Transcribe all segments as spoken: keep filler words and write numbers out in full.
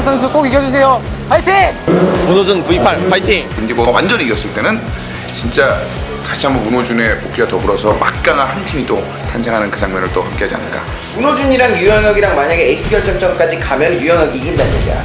선수 꼭 이겨주세요. 화이팅! 문호준 브이팔 파이팅! 인디고가 완전히 이겼을 때는 진짜 다시 한번 문호준의 복귀와 더불어서 막강한 한 팀이 또 탄생하는 그 장면을 또 함께하지 않을까. 문호준이랑 유현혁이랑 만약에 에이스 결정전까지 가면 유현혁이 이긴다는 얘기야.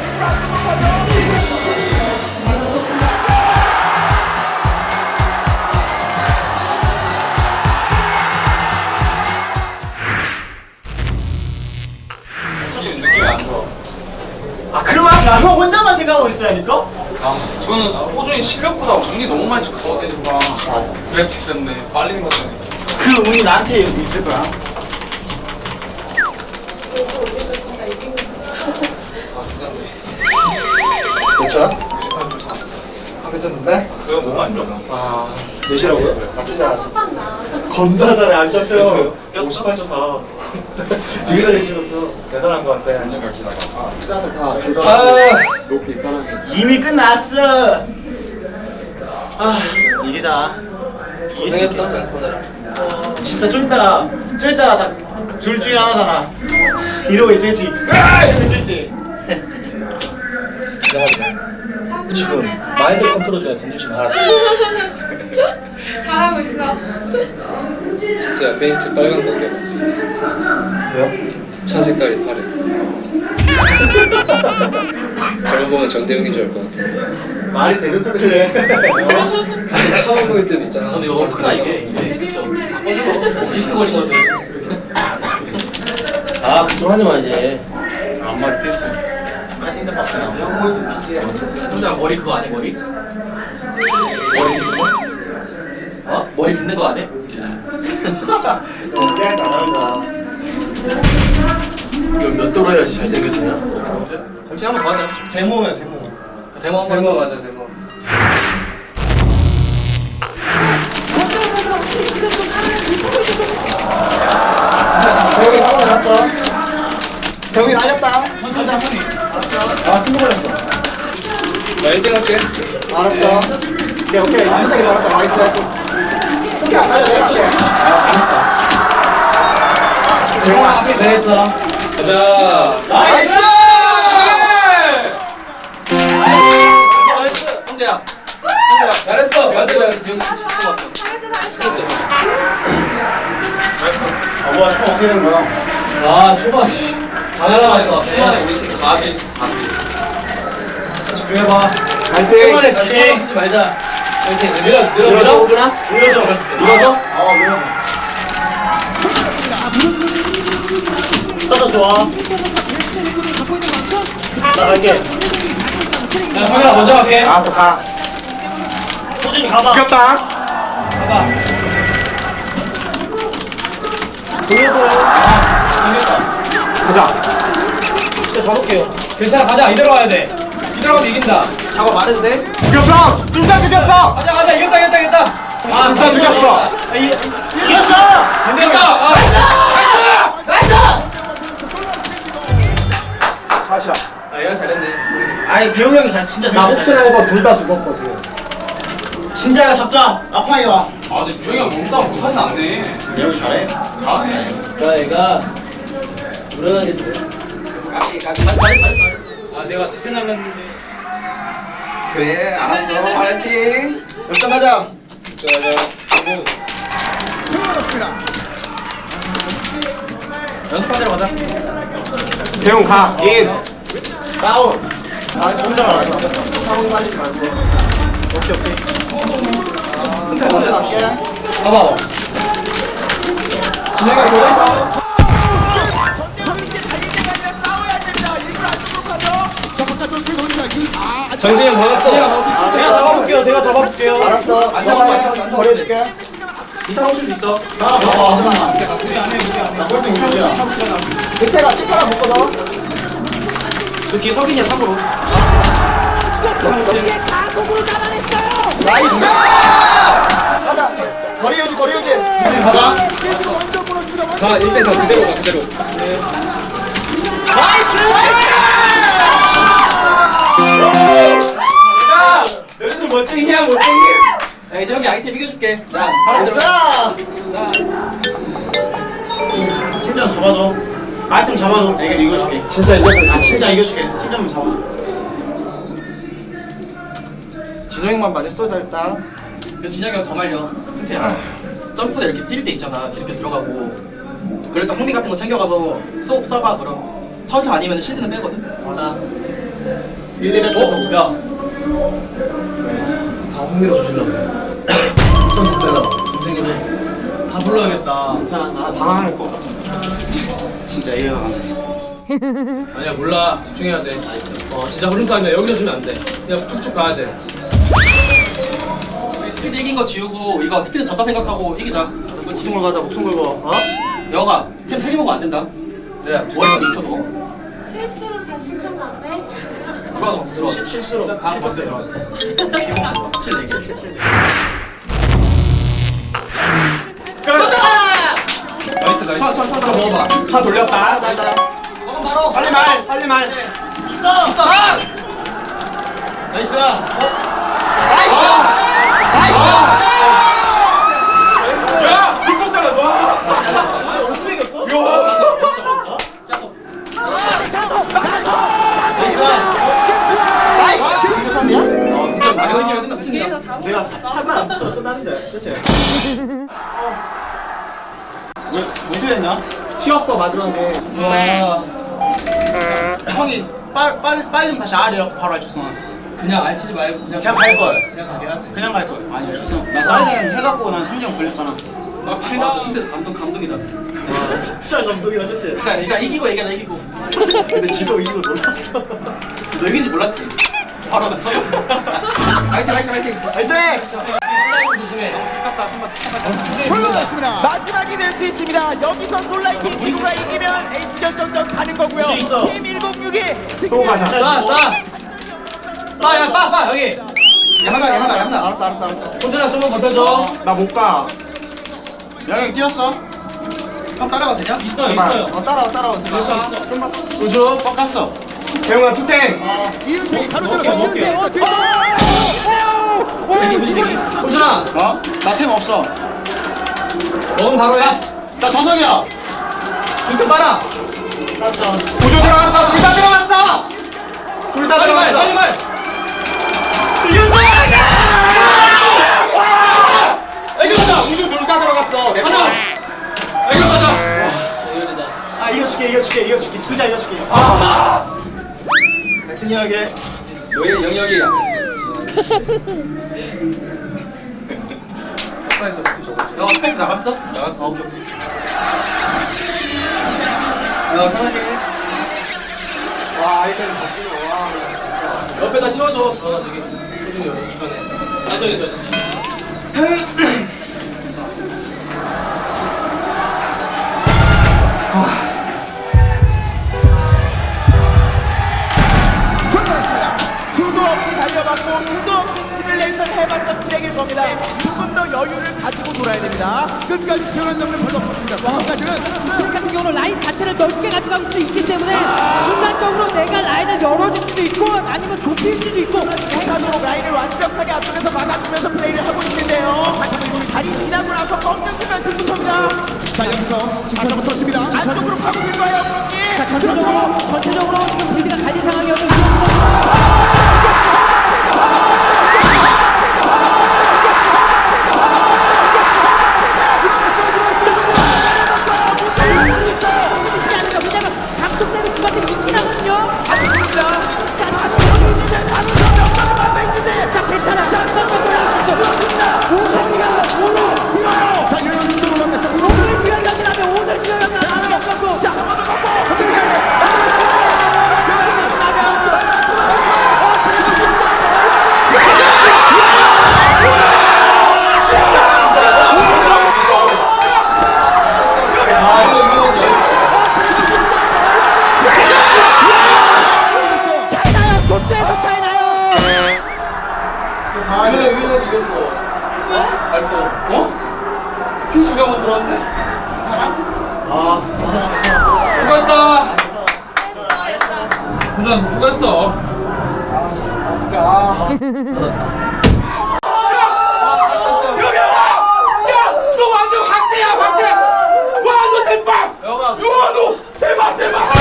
솔직히 느낌이 안 좋아. 아 그러면 형 혼자만 생각하고 있으라니까? 아, 이거는 호준이 실력보다 운이 너무 많이 쳤어. 맞아. 그래픽 때문에 빨리는 것 때문에. 그 운이 나한테 있을 거야. 그렇죠? 하겠었는데? 그거 너무 안 좋아. 아 몇이라고요? 잡히지 않았어. 겁나 잘해 안 잡혀. 오십팔 초 사. 되게 잘 찍었어. 대단한 거 같아. 안전 갈지다가. 아 높이 편하게. 이미 끝났어. 아 이기자. 이길 수 있어. 진짜 좀 이따가 좀 이따가 딱 둘 중에 하나잖아. 이러고 있을지 이러고 있을지. 지금 마인드 컨트롤 중에 돈 주시면 알았어. 잘하고 있어. 진짜 페인트 빨간 거게. 왜요? 차 색깔이 파래. 저런 보면 정대웅인 줄 알 것 같아. 말이 되는 소리를 해. 처음 보일 때도 있잖아. 근데 이거 크다 이게. 디스크거리거든. 아, 그좀 하지 마 이제. 앞머리 필수. 카팅된 박스나. 혼자 머리 그거 안 해 머리? 머리 빗는 거? 어? 머리 빗는 거 안 해? 연습해야 안 하는 거야. 이거 몇 도로 해야지 잘생겨지냐? 같이 한번 더 하자. 데모면 데모. 데모 한번 데모 하자. 맞아, 데모. 대형이 사고 났어. 대형이 날렸다. 천천히 천천히. 알았어. 아, 팀버 걸렸어. 나 일 등 할게. 알았어. 오케이 오케이. 한시게 말았다. 나이스 나이스. 오케이 안 날려 내가 할게. 대형아. 잘했어. 가자. 나이스! 형제야. 형제야. 잘했어. 맞아, 잘했어. 아 뭐야 총 어떻게 된 거야? 아, 초반 씨. 다 날아갔어. 초반에 우리 팀 가비 있어, 가비. 집중해봐. 초반에 집중 쓰지 말자. 이렇게 밀어, 밀어, 밀어. 오구나? 밀어줘. 밀어줘? 어 밀어줘. 떠서 좋아. 나 갈게. 야, 형이랑 먼저 갈게. 알았어 가. 호준이 가봐. 이겼다. 가봐. 돌려서. 아, 당겼다. 가자. 진짜 잡을게요. 괜찮아, 가자. 이대로 가야 돼. 이대로 가면 이긴다. 작업 안 해도 돼? 이겼어. 둘다 이겼어. 가자, 가자. 이겼다, 이겼다, 이겼다. 아, 둘다 이겼어. 아, 이, 이겼어! 된다. 아, 나이스! 다시야. 아, 얘가 잘했네. 아니, 대용이 형이 잘, 진짜 나 대용이 혹시나 해서 둘 다 죽었어, 지금. 진짜가 잡자. 아파이 와. 아, 근데 유영이 형 몸싸움 못하진 않네. 대용이 잘해? 잘하네. 야, 얘가 불안하게 돼. 까비, 까비. 잘했어, 잘했어, 잘했어. 아, 내가 특히 날랐는데. 그래, 알았어. 파이팅. 역전하자. 연습한 대로 가자. 대웅 가. 인. 다운. 아, 혼자 알았어. 상황이 빠지지 말고. 오케이, 오케이. 근데 혼자 남게. 봐봐. 진행아, 이거 있어. 정진이 형 받았어. 제가 잡아볼게요. 제가 잡아볼게요. 알았어. 안 잡아요. 버려줄게. 이상 호출 있어. 아, 봐봐. 잠깐만. 우리 안 해, 우리 안 해. 꼴등 우리야. 밑에가 칩 하나 묶어서. 그 뒤에 석인이야, 삼으로. 나이스! 가자. 거리 유지, 거리 유지. 가자. 가, 일 대 사 그대로 가, 그대로. 나이스! 야! 너희들 멋쟁이냐, 멋쟁이? 야, 이제 형이 아이템 이겨줄게. 야, 나이스! 자. 팀장 잡아줘. 아이템 잡아줘. 내가 이겨줄게. 진짜 이거 아 진짜 이겨줄게. 팀 좀 잡아줘. 진영이만 많이 쏘자 일단. 진혁이 형 더 말려. 승태야. 점프대 이렇게 뛸 때 있잖아. 이렇게 들어가고. 그럴 때 홍미 같은 거 챙겨가서 쏙 쏴봐. 그럼 천사 아니면 실드는 빼거든. 나. 일 대 어? 야. 다 홍미로 조질렀네. 좀 답변아. 동생님이 다 불러야겠다. 괜찮아. 나 당황할 거. 진짜 이해가 안 돼. 아니야 몰라. 집중해야 돼. 어 진짜 흐름 싸움이야. 여기서 주면 안 돼. 그냥 쭉쭉 가야 돼. 우리 스피드 이긴 거 지우고 이거 스피드 졌다 생각하고 이기자. 목숨 걸고 가자. 목숨 걸고. 어? 영아 템 세 개 먹으면 안 된다. 내가 머리서 익혀도. 실수로 반칙하면 안 돼? 들어와서 들어와. 실- 실수로 실수 들어갔어. 칠레 칠레 칠레. 나이스 나이스. 천천천 먹어봐. 차 돌렸다. 나, 나. 먹으면 바로. 빨리 말. 빨리 말. 있어. 나이스. 야! 불꽃다가 와! 나이스. 이거 삼이야? 어, 진짜 많이 걸리면 끝나 승이야. 내가 사만 안 붙여 끝났는데. 그치? 왜 어떻게 됐냐? 치웠어 마지막에. 와. 형이 빨 빨 빨리 좀 다시 R이라고 바로 알려줬어. 그냥 알치지 말고 그냥 그냥 갈 걸. 그냥 가게 하지. 그냥 갈 걸. 아니 알려줬어. 나 사이렌 해갖고 난 삼 점 걸렸잖아. 아, 필요 진짜 감동 감동이다. 와 진짜 감동이다 그치? 그러니까 일단 이기고 얘기하자 이기고. 근데 지도 이기고 놀랐어. 너 이긴지 몰랐지? 바로 나 쳐줘. 화이팅 화이팅 화이팅. 화이팅! 사이드 조심해. 아깝다 한번 치카다. 마지막이 될 수 있습니다. 여기서 솔라이팅 친구가 이기면 에이스 결정전 가는 거고요. 문제 있어. 팀 일공육이 또 가자. 싸 싸. 싸야 빠빠 형이. 야마다 야마다 야마다. 알았어 알았어 알았어. 혼자랑 좀만 버텨줘. 나 못 가. 영희 뛰었어? 형 따라가도 되냐? 있어 있어요. 어 따라와 따라와. 있어 있어. 좀만. 우주. 꺾었어. 재웅아 투탱. 이은비 바로 먹게, 들어가. 먹게. 이은비 어 뒤로. 대기 우주 대기. 혼자랑 어? 나 템 없어. 먹으면 바로 해. 나 자석이야. 불좀 빨아. 구조 들어갔어. 둘 다 들어갔어. 둘 다 빨리 말 빨리 말. 이거 가자. 우주 둘 다 들어갔어. 가자. 이거 가자. 아 이겨줄게 이겨줄게 이겨줄게 진짜 이겨줄게. 아. 하여튼 형이. 너의 영역이야. 야 스페이스 나갔어? 나갔어. 오케이 오케이. 야 편하게 해. 옆에다 치워줘. 주원아 저기. 호준이 여기 주변에. 아 저기 저. 수도 없이 달려봤고 수도 없이 시뮬레이션 해봤던 트랙일 겁니다. 조금 더 여유를 가지고 돌아야 됩니다. 끝까지 지원한 점은 별로 없었습니다. 지금까지는 트랙 같은 경우는 라인 자체를 넓게 가져갈 수 있기 때문에 순간적으로 내가 라인을 열어줄 수도 있고 아니면 좁힐 수도 있고 스타도로 라인을 완벽하게 앞쪽에서 막아주면서 플레이를 하고 있는데요. 다시 한번 다리 지나고 나서 꺾여주면 승부처입니다. 자 여기서 안쪽으로 쳤습니다. 안쪽으로 파고들 거예요. 자, 전체적으로 전체적으로 지금 빌드가 갈린 상황이어서 왜냐면 각속대로 그만큼 있긴 하거든요. 자 괜찮아. 자 자 여기서 올라갔죠. 오늘 기회각이라면 오늘 기회각이라면 하나 없었고 자 한번 더 차이나요. 조스에서 차이나요. 왜 위원이 이겼어? 왜? 발동. 어? 핑시가 한번 들어왔는데? 아, 괜찮아, 괜찮아. 수고했다. 혼자 수고했어. 너 완전 황제야 황제. 와너 대박. 영아 너 대박. 대박 대박